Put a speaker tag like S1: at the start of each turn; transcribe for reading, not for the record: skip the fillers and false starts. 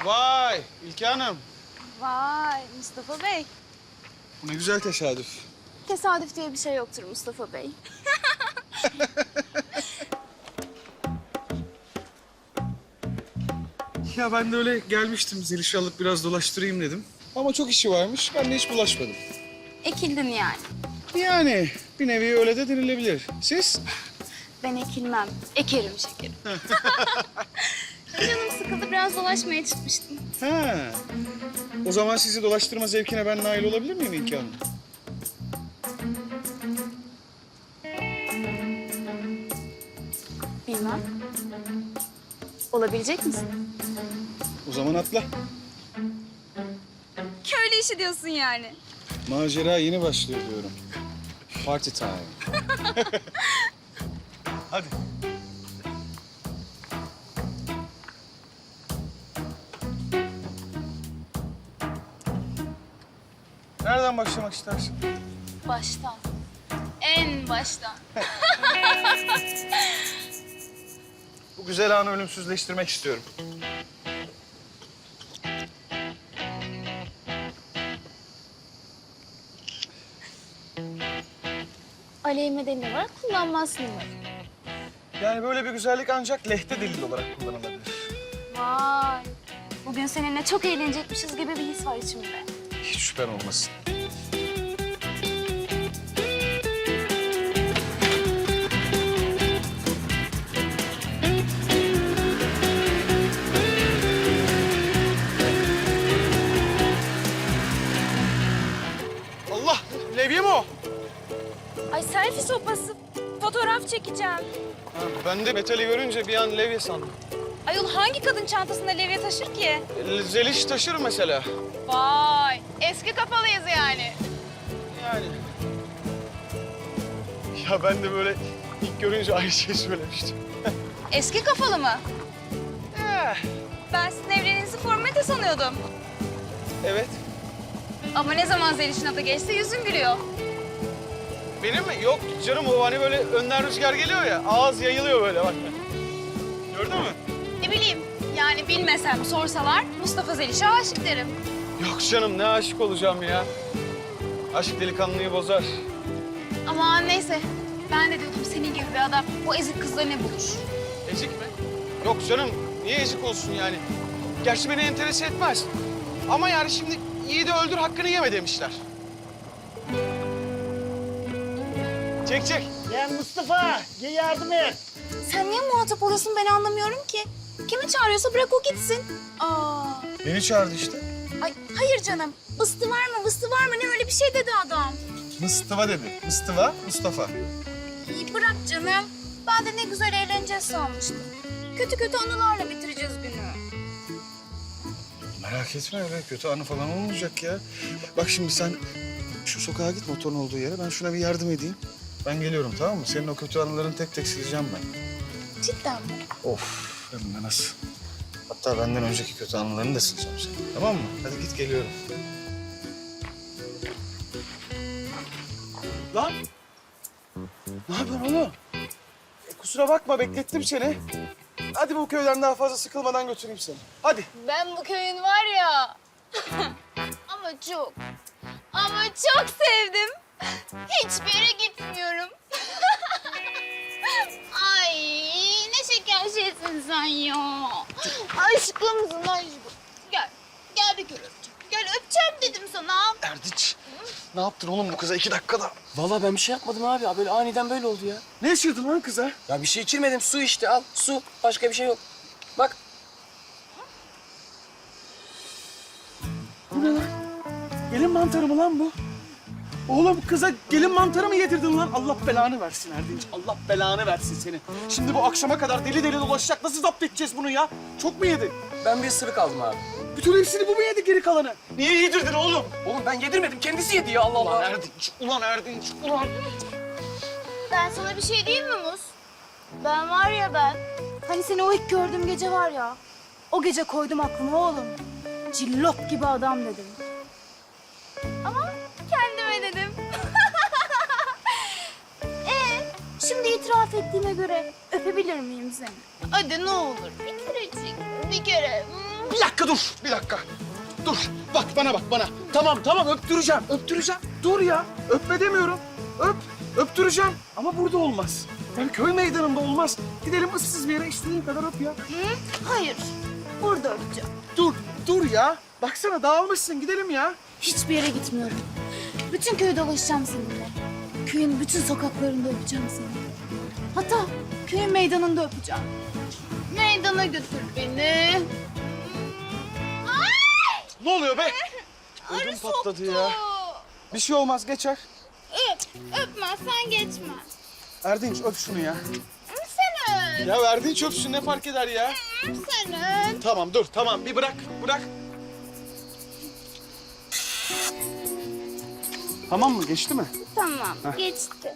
S1: Vay İlke Hanım.
S2: Vay Mustafa Bey.
S1: Bu ne güzel tesadüf.
S2: Tesadüf diye bir şey yoktur Mustafa Bey.
S1: Ya ben de öyle gelmiştim Zeliş'i alıp biraz dolaştırayım dedim. Ama çok işi varmış. Ben de hiç bulaşmadım.
S2: Ekildin yani.
S1: Yani bir nevi öyle de denilebilir. Siz?
S2: Ben ekilmem. Ekerim şekerim. Canım sıkıldı biraz dolaşmaya çıkmıştım.
S1: Ha. O zaman sizi dolaştırma zevkine ben nail olabilir miyim İlke Hanım?
S2: Bilmem. Olabilecek misin?
S1: O zaman atla.
S2: Köylü işi diyorsun yani.
S1: Macera yeni başlıyor diyorum. Party time. Hadi. Nereden başlamak istersin?
S2: Baştan. En baştan.
S1: Bu güzel anı ölümsüzleştirmek istiyorum.
S2: Aleyhime delil olarak kullanmazsın umarım.
S1: Yani böyle bir güzellik ancak lehte delil olarak kullanılabilir.
S2: Vay. Bugün seninle çok eğlenecekmişiz gibi bir his var içimde.
S1: Hiç şüphen olmasın. Allah! Levye mi o?
S2: Ay selfie sopası. Fotoğraf çekeceğim.
S1: Ha, ben de metali görünce bir an levye sandım.
S2: Ayol hangi kadın çantasında levye taşır ki?
S1: Zeliş taşır mesela.
S2: Vay. Eski kafalıyız yani.
S1: Yani. Ya ben de böyle ilk görünce aynı şeyi söylemiştim.
S2: Eski kafalı mı?
S1: Eh,
S2: Ben sizin evliliğinizi formate sanıyordum.
S1: evet.
S2: Ama ne zaman Zeliş'in adı geçse yüzün gülüyor.
S1: Benim mi? Yok canım o hani böyle önden rüzgar geliyor ya. Ağız yayılıyor böyle bak. Gördün mü?
S2: Ne bileyim yani bilmesem sorsalar Mustafa Zeliş'e aşık derim.
S1: Yok canım ne aşık olacağım ya. Aşk delikanlıyı bozar.
S2: Aman neyse ben de diyordum senin gibi bir adam bu ezik kızla ne bulur?
S1: Ezik mi? Yok canım niye ezik olsun yani? Gerçi beni enterese etmez. Ama yani şimdi yiğidi öldür hakkını yeme demişler. Çek çek.
S3: Lan Mustafa, gel yardım et.
S2: Sen niye muhatap oluyorsun ben anlamıyorum ki. Kimi çağırıyorsa bırak o gitsin. Aa.
S1: Beni çağırdı işte.
S2: Ay hayır canım. Bıstı var mı bıstı var mı ne öyle bir şey dedi adam.
S1: Mıstıva dedi. Mıstıva, Mustafa.
S2: İyi bırak canım. Ben de ne güzel eğleneceğiz sanmıştım. Kötü kötü anılarla bitireceğiz günü.
S1: Merak etme öyle kötü anı falan olmayacak ya. Bak şimdi sen şu sokağa git motorun olduğu yere. Ben şuna bir yardım edeyim. Ben geliyorum tamam mı? Senin o kötü anılarını tek tek sileceğim ben.
S2: Cidden mi?
S1: Of hem de nasıl. Hatta benden önceki kötü anılarını da sileceğim senin. Tamam mı? Hadi git geliyorum. Lan! Ne yapıyorsun oğlum? Kusura bakma beklettim seni. Hadi bu köyden daha fazla sıkılmadan götüreyim seni. Hadi.
S2: Ben bu köyün var ya. ama çok sevdim. Hiçbir yere gitmiyorum. Ay ne şeker şeysin sen ya. Aşkımsın aşkım. Gel bir kere öpeceğim. Gel öpeceğim dedim sana.
S1: Erdinç. Ne yaptın oğlum bu kıza 2 dakikada?
S4: Vallahi ben bir şey yapmadım abi. Böyle aniden böyle oldu ya.
S1: Ne içirdin lan kıza?
S4: Ya bir şey içirmedim. Su işte al. Su. Başka bir şey yok. Bak.
S1: Bu ne lan? Gelin mantarı mı lan bu? Oğlum kıza gelin mantarı mı yedirdin lan? Allah belanı versin Erdinç. Allah belanı versin seni. Şimdi bu akşama kadar deli deli dolaşacak. Nasıl zapt edeceğiz bunu ya? Çok mu yedin?
S4: Ben bir ısırık aldım abi.
S1: Bütün hepsini bu mu yedi geri kalanı? Niye yedirdin oğlum?
S4: Oğlum ben yedirmedim. Kendisi yedi ya Allah
S1: Ulan
S4: Allah.
S1: Erdinç, ulan Erdinç, ulan.
S2: Ben sana bir şey diyeyim mi Mus? Ben var ya ben. Hani seni o ilk gördüğüm gece var ya. O gece koydum aklıma oğlum. Cillop gibi adam dedim. Ama kendime dedim. Şimdi itiraf ettiğime göre öpebilir miyim seni? Hadi ne olur bir kerecik, bir kere.
S1: Bir dakika dur, bir dakika. Dur, bak bana bak bana. Tamam tamam öptüreceğim, öptüreceğim. Dur ya, öpme demiyorum. Öptüreceğim. Ama burada olmaz. Yani köy meydanında olmaz. Gidelim ıssız bir yere istediğin kadar öp ya.
S2: Hı? Hayır. Burada öpeceğim.
S1: Dur ya. Baksana dağılmışsın, gidelim ya.
S2: Hiçbir yere gitmiyorum. Bütün köyü dolaşacağım seninle. Köyün bütün sokaklarında öpeceğim seni. Hatta köyün meydanında öpeceğim. Meydana götür beni.
S1: Ne oluyor be? Ödüm patladı ya. Bir şey olmaz, geçer.
S2: Öpmezsen geçme.
S1: Erdinç öp şunu ya.
S2: Sen öp.
S1: Ya Erdinç öpsün, ne fark eder ya?
S2: Sen öp.
S1: Tamam dur, tamam bir bırak. Tamam mı? Geçti mi?
S2: Tamam geçti.